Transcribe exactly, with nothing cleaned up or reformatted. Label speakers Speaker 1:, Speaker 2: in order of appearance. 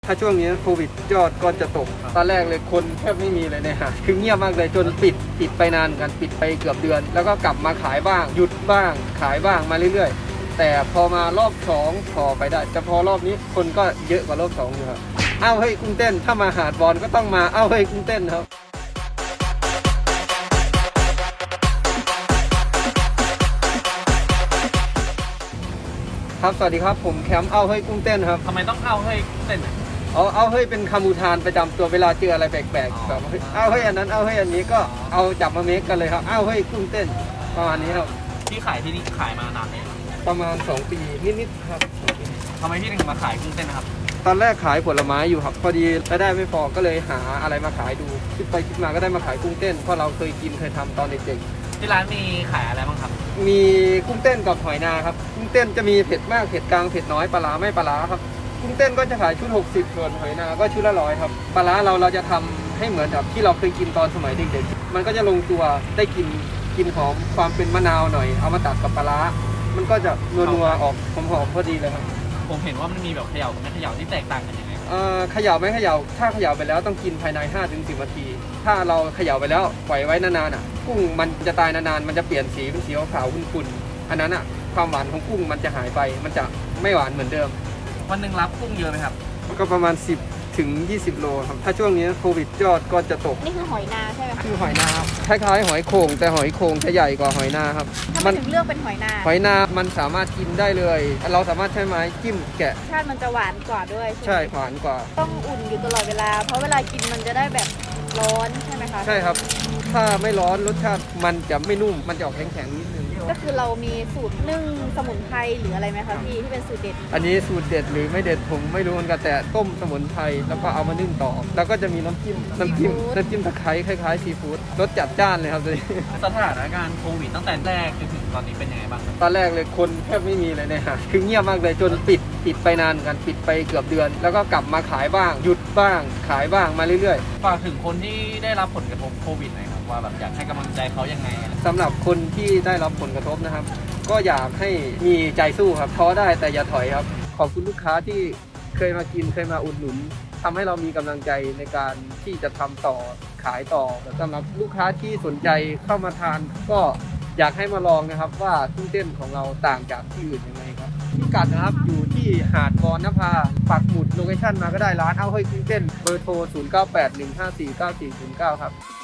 Speaker 1: ถ้าช่วงนี้โควิดยอดก็จะตกตอนแรกเลยคนแทบไม่มีเลยเนี่ยฮะคือเงียบมากเลยจนปิดปิดไปนานกันปิดไปเกือบเดือน แล้วก็กลับมาขายบ้างหยุดบ้างขายบ้างมาเรื่อยๆแต่พอมารอบสองพอไปได้แต่พอรอบนี้คนก็เยอะกว่ารอบสองอยู่ครับอ้าวเฮ้ยกุ้งเต้นถ้ามาหาดบอลก็ต้องมาอ้าวเฮ้ยกุ้งเต้นครับครับสวัสดีครับผมแคมป์เอาเฮ้ยกุ้งเต้นครับ
Speaker 2: ทำไมต้องเอาเฮ้ยเต้น
Speaker 1: เอาเอาเฮ้ยเป็นคำอุทานประจำตัวเวลาเจออะไรแปลก
Speaker 2: อ๋อ
Speaker 1: ๆแบบเฮ้ยเอาเฮ้ยอันนั้นเอาเฮ้ยอันนี้ก็เอาจับมาเมคกันเลยครับเอาเฮ้ยกุ้งเต้นประมาณนี้ครับ
Speaker 2: ที่ขายที่นี่ขายมานานไหม
Speaker 1: ประมาณสองปีนิดๆครับ
Speaker 2: ทำไมพี่ถึงมาขายกุ้งเต้นนะครับ
Speaker 1: ตอนแรกขายผลไม้อยู่ครับพอดีรายได้ไม่พอก็เลยหาอะไรมาขายดูคิดไปคิดมาก็ได้มาขายกุ้งเต้นเพราะเราเคยกินเคยทำตอนเด็ก
Speaker 2: ที่ร้านมีขายอะไรบ้างครับ
Speaker 1: ๆมีกุ้งเต้นกับหอยนาครับกุ้งเต้นจะมีเผ็ดมากเผ็ดกลางเผ็ดน้อยปลาร้าไม่ปลาร้าครับกุ้งเต้นก็จะขายชุดหกสิบส่วนหอยนาก็ชุดละร้อยครับปลาร้าเราเราจะทำให้เหมือนแบบที่เราเคยกินตอนสมัยเด็กๆมันก็จะลงตัวได้กินกินหอมความเป็นมะนาวหน่อยเอามาตัดกับปลาร้ามันก็จะนัวๆออกหอมๆพอดีเลยครับ
Speaker 2: ผมเห็นว่ามันมีแบบเขย่ากับไม่เขย่าที่แตกต่างกันยังไงครับ
Speaker 1: เอ่อเขย่าไม่เขย่าถ้าเขย่าไปแล้วต้องกินภายใน ห้าถึงสิบ นาที ถ้าเราเขย่าไปแล้วปล่อยไว้นานๆอ่ะกุ้งมันจะตายนานๆมันจะเปลี่ยนสีเป็นสีขาวๆขุ่นๆอันนั้นอ่ะความหวานของกุ้งมันจะหายไปมันจะไม่หวานเหมือนเดิม
Speaker 2: วันหนึ่งรับกุ้งเยอะไหมครับ
Speaker 1: ก็ประมาณ สิบถึงยี่สิบ โลครับถ้าช่วงนี้โควิดยอดก็จะตก
Speaker 3: นี่คือหอยนาใช่ไหมคะ
Speaker 1: คือหอยนาครับคล้ายๆหอยโข่งแต่หอยโข่งจะใหญ่กว่าหอยนาครับ
Speaker 3: ทำไม
Speaker 1: มัน
Speaker 3: ถึงเลือกเป็นหอยนา
Speaker 1: หอยนามันสามารถกินได้เลย เราสามารถใช้ไม้จิ้มแกะ
Speaker 3: ชาติมันจะหวานกว่าด้วยใช่ไหม
Speaker 1: ใช่หวานกว่า
Speaker 3: ต้องอุ่นอยู่ตลอดเวลา เพราะเวลากินมันจะได้แบบร้อนใช่ไหมคะ
Speaker 1: ใช่ครับ ถ้าไม่ร้อนรสชาติมันจะไม่นุ่มมันจะออกแข็งๆนิดนึง
Speaker 3: ก็คือเรามีสูตรนึ่งสมุนไพรหรืออะไรไหมคะพี่ที่เป็นสูตรเด็ด
Speaker 1: อันนี้สูตรเด็ดหรือไม่เด็ดผมไม่รู้เหมือนกันแต่ต้มสมุนไพรแล้วก็เอามานึ่งต่อ แล้วก็จะมีน้ำจิ้มน้ำจิ้มน้ำจิ้มตะไคร้คล้ายๆซีฟู้ดรสจัดจ้านเลยครับตัวนี้
Speaker 2: สถานการณ์โควิดตั้งแต่แรกจนถึงตอนนี้เป็นยังไงบ้างครับ
Speaker 1: ตอนแรกเลยคนแทบไม่มีเลยเนี่ยฮะคือเงียบมากเลยจนปิดปิดไปนานกันปิดไปเกือบเดือน แล้วก็กลับมาขายบ้างหยุดบ้างขายบ้างมาเรื่อยๆ
Speaker 2: ฝากถึงคนที่ได้รับผลกระทบโควิดหน่อยครับว่าแบบอยากให้กำลังใจเขายังไง
Speaker 1: สำหรับคนที่ได้รับผลกระทบนะครับ ก็อยากให้มีใจสู้ครับท้อได้แต่อย่าถอยครับ ขอบคุณลูกค้าที่เคยมากินเคยมาอุดหนุนทำให้เรามีกำลังใจในการที่จะทำต่อขายต่อแต่สำหรับลูกค้าที่สนใจเข้ามาทาน ก็อยากให้มาลองนะครับว่ากุ้งเต้นของเราต่างจากที่อื่นยังไงครับพิกัดนะครับอยู่ที่หาดวอนนภาปักหมุดโลเคชั่นมาก็ได้ร้านเอาเฮ้ยกุ้งเต้นเบอร์โทรศูนย์ เก้า แปด หนึ่ง ห้า สี่ เก้า สี่ ศูนย์ เก้าครับ